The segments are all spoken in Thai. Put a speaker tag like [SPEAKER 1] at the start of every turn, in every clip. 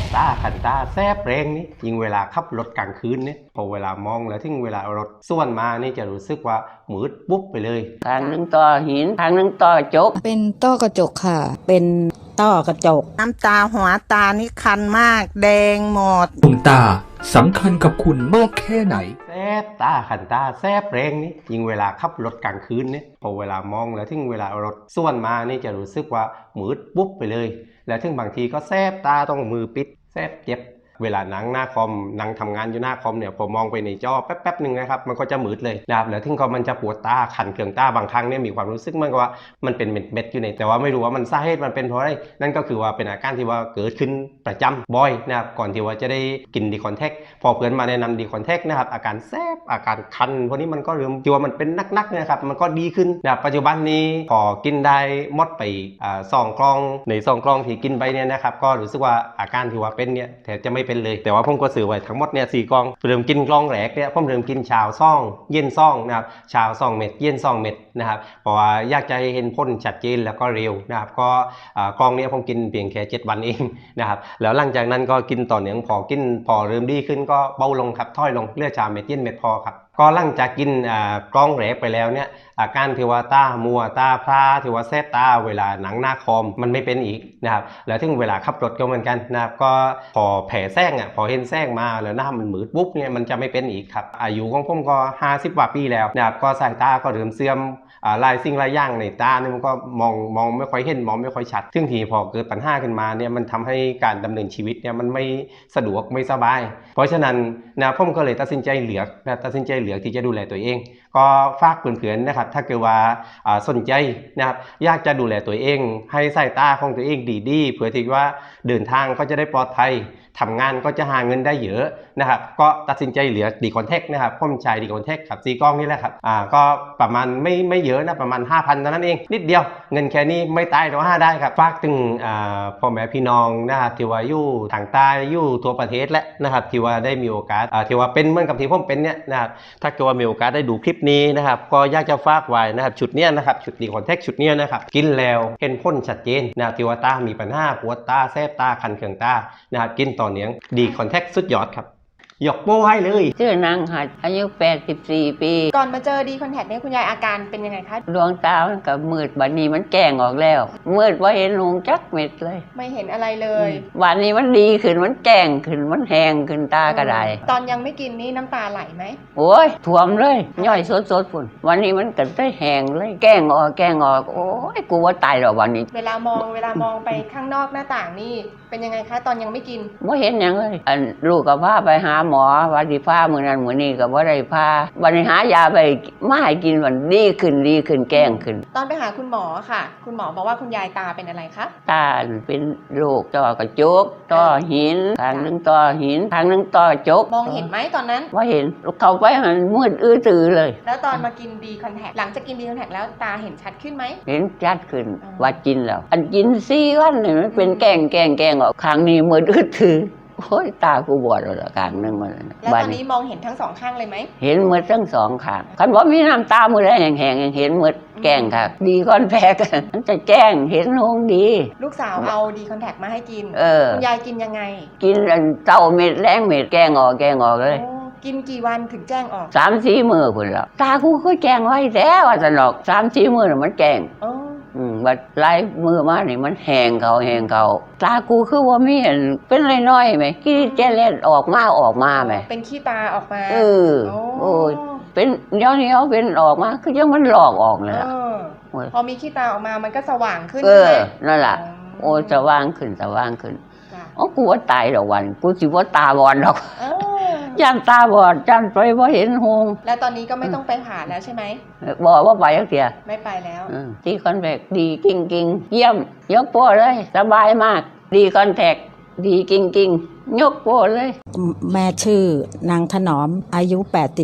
[SPEAKER 1] ตาขันตาแซบแรงนี่ยิ่งเวลาขับรถกลางคืนเนี่ยพอเวลามองแล้วถึงเวลารถส่วนมานี่จะรู้สึกว่ามืดปุ๊บไปเลย
[SPEAKER 2] ทางหนึ่งต่อหินทางหนึ่งต่อกระจก
[SPEAKER 3] เป็นต้อกระจกค่ะเป็นต้อกระจก
[SPEAKER 4] น้ำตาหัวตานี่คันมากแดงหมด
[SPEAKER 5] ดวงตาสำคัญกับคุณมากแค่ไหน
[SPEAKER 1] แซบตาขันตาแซบแรงนี่ยิ่งเวลาขับรถกลางคืนเนี่ยพอเวลามองแล้วถึงเวลารถส่วนมานี่จะรู้สึกว่ามืดปุ๊บไปเลยแล้วถึงบางทีก็แซบตาต้องมือปิดแซบเจ็บเวลานั่งหน้าคอมนั่งทำงานอยู่หน้าคอมเนี่ยพอมองไปในจอแป๊บๆหนึ่งนะครับมันก็จะมืดเลยนะครับแล้วถึงก็มันจะปวดตาขันเคืองตาบางครั้งเนี่ยมีความรู้สึกเหมือนกับว่ามันเป็นเม็ดๆอยู่ในแต่ว่าไม่รู้ว่ามันสาเหตุมันเป็นเพราะอะไรนั่นก็คือว่าเป็นอาการที่ว่าเกิดขึ้นประจำบ่อยนะครับก่อนที่ว่าจะได้กินดีคอนแทคพอเพื่อนมาแนะนำดีคอนแทคนะครับอาการแสบอาการคันพวกนี้มันก็เริ่มที่ว่ามันเป็นนักๆนะครับมันก็ดีขึ้นนะครับปัจจุบันนี้พอกินได้หมดไป2 กล่องใน2 กล่องที่กินไปเนี่ยนะครับก็รู้สึกว่าอาการที่ว่าเป็นเนี่ยแทบจะไม่เป็นเลยแต่ว่าผมก็ซื้อไว้ทั้งหมดเนี่ย4 กล่องเริ่มกินกล่องแรกเนี่ยผมเริ่มกินเช้าซ่องเย็นซ่องนะครับเช้า2 เม็ดเย็น2 เม็ดนะครับเพราะว่าอยากจะเห็นผลชัดเจนแล้วก็เร็วนะครับก็กล่องนี้ผมกินเพียงแค่7 วันเองนะครับแล้วหลังจากนั้นก็กินต่อเนื่องพอเริ่มดีขึ้นก็เบาลงครับถอยลงเหลือเช้าเม็ดเย็นเม็ดพอครับก็หลังจากกินกล่องแรกไปแล้วเนี่ยอาการที่ว่าตามัวตาพร่าที่ว่าแสบตาเวลาหนังหน้าคอมมันไม่เป็นอีกนะครับแล้วถึงเวลาขับรถก็เหมือนกันนะครับก็พอแผลแซงพอเห็นแซงมาแล้วหน้ามันมืดปุ๊บเนี่ยมันจะไม่เป็นอีกครับอายุของผมก็50 กว่าปีแล้วนะครับก็สายตาก็เริ่มเสื่อมลายสิ่งลายอย่างในตาเนี่ยมันก็มองไม่ค่อยเห็นมองไม่ค่อยชัดซึ่งทีพอเกิดปัญหาขึ้นมาเนี่ยมันทำให้การดำเนินชีวิตเนี่ยมันไม่สะดวกไม่สบายเพราะฉะนั้นนะผมก็เลยตัดสินใจเหลือกที่จะดูแลตัวเองก็ฝากเพื่อนๆนะครับถ้าเกิดว่าสนใจนะครับอยากจะดูแลตัวเองให้สายตาของตัวเองดีๆเพื่อที่ว่าเดินทางก็จะได้ปลอดภัยทำงานก็จะหาเงินได้เยอะนะครับก็ตัดสินใจเหลือดีคอนแทคนะครับผมใช้ดีคอนแทคครับ4 กล้องนี่แหละครับก็ประมาณไม่เยอะนะประมาณ 5,000 เท่านั้นเองนิดเดียวเงินแค่นี้ไม่ตายเราได้ครับฝากถึงพ่อแม่พี่น้องนะครับที่ว่าอยู่ทางใต้อยู่ทั่วประเทศและนะครับที่ว่าได้มีโอกาสที่ว่าเป็นเหมือนกับที่ผมเป็นเนี่ยนะครับถ้าเกิดว่ามีโอกาสได้ดูคลิปนี้นะครับก็อยากจะฝากไว้นะครับชุดเนี้ยนะครับชุดดีคอนแทคชุดเนี้ยนะครับกินแล้วเห็นผลชัดเจนนะครับที่ว่าตามีปัญหาปวดตาแสบตาคันเคืองตานะครับกินต่อเนื่องดีคอนแทคสุดยอดครับยกโป้ให้เลย
[SPEAKER 2] ชื่อนางหัดอายุ84 ปี
[SPEAKER 6] ก่อนมาเจอดีคอนแทคเนี่ยคุณยายอาการเป็นยังไงคะ
[SPEAKER 2] ดวงตามันก็มืดบัดนี้มันแก้งออกแล้วมืดว่าเห็นลุงจักเม็ดเลย
[SPEAKER 6] ไม่เห็นอะไรเลย
[SPEAKER 2] วันนี้มันดีขึ้นมันแก้งขึ้นมันแห้งขึ้นตากระได
[SPEAKER 6] ตอนยังไม่กินนี่น้ำตาไหลไหม
[SPEAKER 2] โอ้ยท่วมเลยย่อยสดฝุ่นวันนี้มันก็ได้แห้งเลยแก้งออกโอ้ยกูว่าตายแล้ววันนี้
[SPEAKER 6] เวลามองไปข้างนอกหน้าต่างนี่เป็นยังไงคะตอนยังไม่กิน
[SPEAKER 2] ไม่เห็นอย่างเลยลูกกับพาไปหาหมอวันที่พามื้อนั้นมื้อนี้ก็บ่ได้พาวันนี้หายาไปมาให้กินวันดีขึ้นแก้งขึ้น
[SPEAKER 6] ตอนไปหาคุณหมอค่ะคุณหมอบอกว่าคุณยายตาเป็นอะไรคะ
[SPEAKER 2] ตาเป็นโรคต้อกระจกต้อหินทางหนึ่งต้อหินทางหนึ่งต้อกระจก
[SPEAKER 6] มองเห็นไหมตอนนั้น
[SPEAKER 2] ว่าเห็นเข้าไปมันมืดตื้อเลย
[SPEAKER 6] แล้วตอนมากินดีคอนแทคหลังจากกินดีคอนแทคแล้วตาเห็นชัดขึ้นไหม
[SPEAKER 2] เห็นชัดขึ้นว่ากินแล้วอันกิน4 วันเนี่ยมันเป็นแก้งออกข้างนี้มืดตื้อโอ้ยตากูบอดแล้วข้างนึงมัน
[SPEAKER 6] แล้วตอนนี้มองเห็นทั้ง2 ข้างเลยไหม
[SPEAKER 2] เห็นหมดทั้ง2 ข้างคันบ่มีน้ำตามือได้แห้งๆเห็นหมดแก้งค่ะดีคอนแทคมันจะแก้งเห็นหงดี
[SPEAKER 6] ลูกสาวเอาดีคอนแทคมาให้กินคุณยายกินยังไง
[SPEAKER 2] กินเต้าเม็ดแรงเม็ดแก้งออกเลย
[SPEAKER 6] กินกี่วันถึงแจ้งออก
[SPEAKER 2] 3-4 มื้อพุ่นแล้วตากูก็แจ้งไว้แท้ว่าซั่นดอก3-4 มื้อน่ะมันแก้งบัดหลายมือมานี่มันแห้งเขาตากูคือว่ามีเห็นเป็นน้อยๆไหมขี้แจเล็ดออกมาไหม
[SPEAKER 6] เป็นขี้ตาออกมา
[SPEAKER 2] โอ้ยเป็นเดี๋ยวนี้เป็นออกมาคือยังมันหลอกออกเลย
[SPEAKER 6] พอมีขี้ตาออกมามันก็สว่างขึ้น
[SPEAKER 2] นั่นแหละโอ้สว่างขึ้นอ๋อกูว่าตายดอกวันกูสิว่าตาบอดดอกย่านตาบอดย่านไปว่าเห็นหง
[SPEAKER 6] แล้วตอนนี้ก็ไม่ต้องไปผ่าแล้วใช่ไหม
[SPEAKER 2] บอกว่าไปแล้วเสีย
[SPEAKER 6] ไม่ไปแล้ว
[SPEAKER 2] ดีคอนแทคดีกิ้งเยี่ยมยกโป้เลยสบายมากดีคอนแทคดีกิ้งยกโป้เลย
[SPEAKER 3] แม่ชื่อนางถนอมอายุ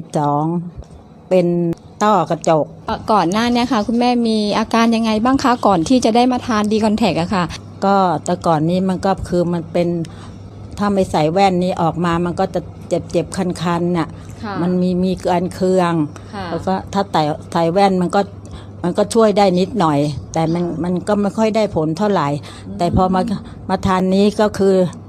[SPEAKER 3] 82เป็นต้อกระจก
[SPEAKER 7] ก่อนหน้านี้ค่ะคุณแม่มีอาการยังไงบ้างคะก่อนที่จะได้มาทานดีคอนแทคอะค่ะ
[SPEAKER 3] ก็แต่ก่อนนี้มันก็คือมันเป็นถ้าไม่ใส่แว่นนี้ออกมามันก็จะเจ็บคันๆน่ะมันมีการเคืองแล้วก็ถ้าใส่แว่นมันก็ช่วยได้นิดหน่อยแต่มันก็ไม่ค่อยได้ผลเท่าไหร่แต่พอมาทานนี้ก็คือ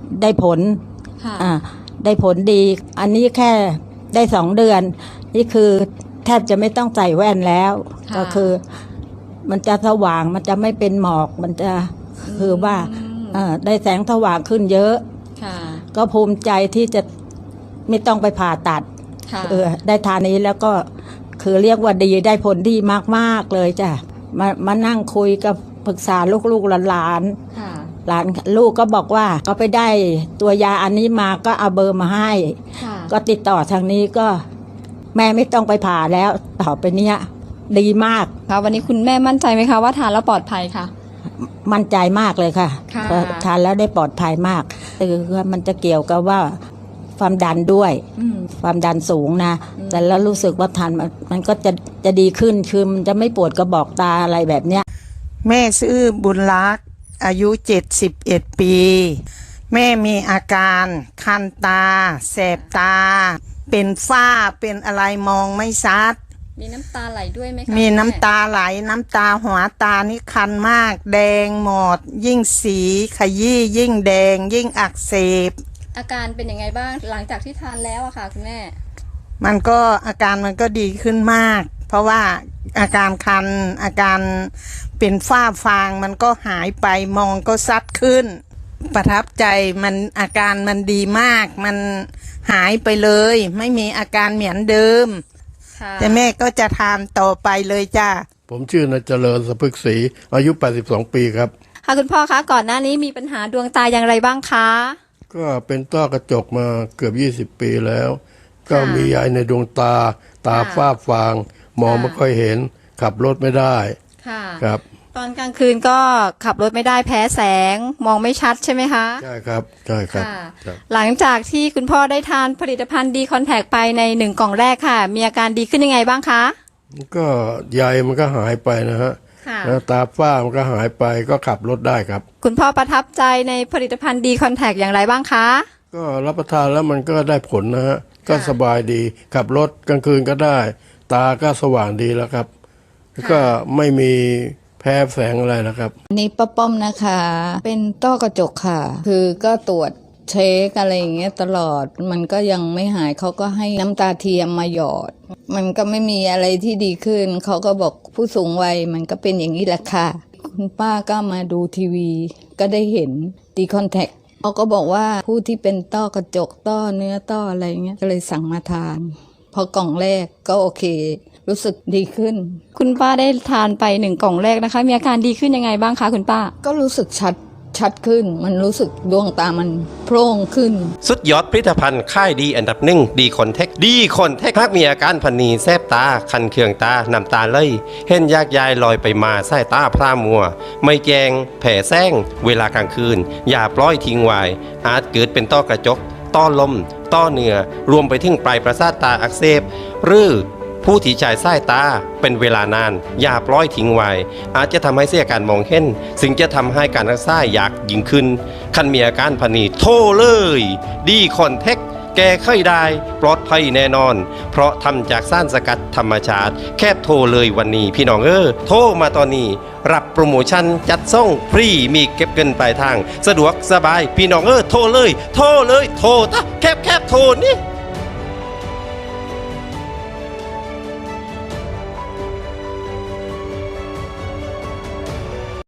[SPEAKER 3] ได้ผล ได้ผลดี อันนี้แค่ได้2 เดือน นี่คือแทบจะไม่ต้องใส่แว่นแล้ว ก็คือมันจะสว่างมันจะไม่เป็นหมอกมันจะคือว่าได้แสงสว่างขึ้นเยอะก็ภูมิใจที่จะไม่ต้องไปผ่าตัดได้ทานนี้แล้วก็คือเรียกว่าดีได้ผลดีมากๆเลยจ้ะมานั่งคุยกับปรึกษาลูกๆหลานลูกก็บอกว่าก็ไปได้ตัวยาอันนี้มาก็เอาเบอร์มาให้ก็ติดต่อทางนี้ก็แม่ไม่ต้องไปผ่าแล้วต่อไปเนี้ยดีมาก
[SPEAKER 7] ค่ะวันนี้คุณแม่มั่นใจไหมคะว่าทานแล้วปลอดภัยค่ะ
[SPEAKER 3] มั่นใจมากเลยค่ะทานแล้วได้ปลอดภัยมากคือมันจะเกี่ยวกับว่าความดันด้วยความดันสูงนะแต่แล้วรู้สึกว่าทานมันก็จะดีขึ้นคือมันจะไม่ปวดกระบอกตาอะไรแบบเนี้ย
[SPEAKER 4] แม่ชื่อบุญรักษ์อายุ71 ปี แม่มีอาการคันตาแสบตาเป็นฝ้าเป็นอะไรมองไม่ชัด
[SPEAKER 7] มีน้ำตาไหลด้วยไหมคะ
[SPEAKER 4] มีน้ำตาไหลน้ำตาหัวตานี่คันมากแดงหมดยิ่งสีขยี้ยิ่งแดงยิ่งอักเสบ
[SPEAKER 7] อาการเป็นยังไงบ้างหลังจากที่ทานแล้วอะค่ะคุณแม่
[SPEAKER 4] มันก็อาการมันก็ดีขึ้นมากเพราะว่าอาการคันอาการเป็นฝ้าฟางมันก็หายไปมองก็ชัดขึ้นประทับใจมันอาการมันดีมากมันหายไปเลยไม่มีอาการเหมือนเดิมแต่แม่ก็จะทานต่อไปเลยจ้า
[SPEAKER 8] ผมชื่อนายเจริญสะพึกศรีอายุ82 ปีครับ
[SPEAKER 7] ค่ะคุณพ่อคะก่อนหน้านี้มีปัญหาดวงตาอย่างไรบ้างคะ
[SPEAKER 8] ก็เป็นต้อกระจกมาเกือบ20 ปีแล้วก็มีใยในดวงตาฝ้าฟางมองไม่ค่อยเห็นขับรถไม่ได้ครับ
[SPEAKER 7] ตอนกลางคืนก็ขับรถไม่ได้แพ้แสงมองไม่ชัดใช่ไหมคะ
[SPEAKER 8] ใช่ครับใช่ครับ
[SPEAKER 7] หลังจากที่คุณพ่อได้ทานผลิตภัณฑ์ดีคอนแทคไปใน1 กล่องแรกค่ะมีอาการดีขึ้นยังไงบ้างคะ
[SPEAKER 8] ก็ใยมันก็หายไปนะฮะแล้วตาฝ้ามันก็หายไปก็ขับรถได้ครับ
[SPEAKER 7] คุณพ่อประทับใจในผลิตภัณฑ์ดีคอนแทคอย่างไรบ้างคะ
[SPEAKER 8] ก็รับประทานแล้วมันก็ได้ผลนะฮะก็สบายดีขับรถกลางคืนก็ได้ตาก็สว่างดีแล้วครับก็ไม่มีแพ้แสงอะไรนะครับ
[SPEAKER 3] นี่ป้าป้อมนะคะเป็นต้อกระจกค่ะคือก็ตรวจเช็คอะไรอย่างเงี้ยตลอดมันก็ยังไม่หายเขาก็ให้น้ำตาเทียมมาหยอดมันก็ไม่มีอะไรที่ดีขึ้นเขาก็บอกผู้สูงวัยมันก็เป็นอย่างนี้แหละค่ะคุณป้าก็มาดูทีวีก็ได้เห็นดีคอนแทคเขาก็บอกว่าผู้ที่เป็นต้อกระจกต้อเนื้อต้ออะไรเงี้ยก็เลยสั่งมาทานพอกล่องแรกก็โอเครู้สึกดีขึ้น
[SPEAKER 7] คุณป้าได้ทานไป1 กล่องแรกนะคะมีอาการดีขึ้นยังไงบ้างคะคุณป้า
[SPEAKER 3] ก็รู้สึกชัดขึ้นมันรู้สึกดวงตามันโพร่งขึ้น
[SPEAKER 1] สุดยอดผลิตภัณฑ์ค่ายดีอันดับ1ดีคอนแทคหากมีอาการพันนีแสบตาคันเคืองตาน้ำตาไหลเห็นยากยายลอยไปมาสายตาพร่ามัวไม่แจงแผ่แซงเวลากลางคืนอย่าปล่อยทิ้งไว้อาจเกิดเป็นต้อกระจกต้อลมต้อเนื้อรวมไปถึงปลายประสาทตาอักเสบหรือผู้ที่จ่ายสายตาเป็นเวลานานอย่าปล่อยทิ้งไว้อาจจะทำให้เสียการมองเห็นซึ่งจะทำให้การรักษายากยิ่งขึ้นคันมีอาการพันนีโทรเลยดีคอนแทคแก้ไขได้ปลอดภัยแน่นอนเพราะทำจากสารสกัดธรรมชาติแค่โทรเลยวันนี้พี่น้องโทรมาตอนนี้รับโปรโมชั่นจัดส่งฟรีมีเก็บเงินปลายทางสะดวกสบายพี่น้องโทรเลยโทรตะแคบโทรนี่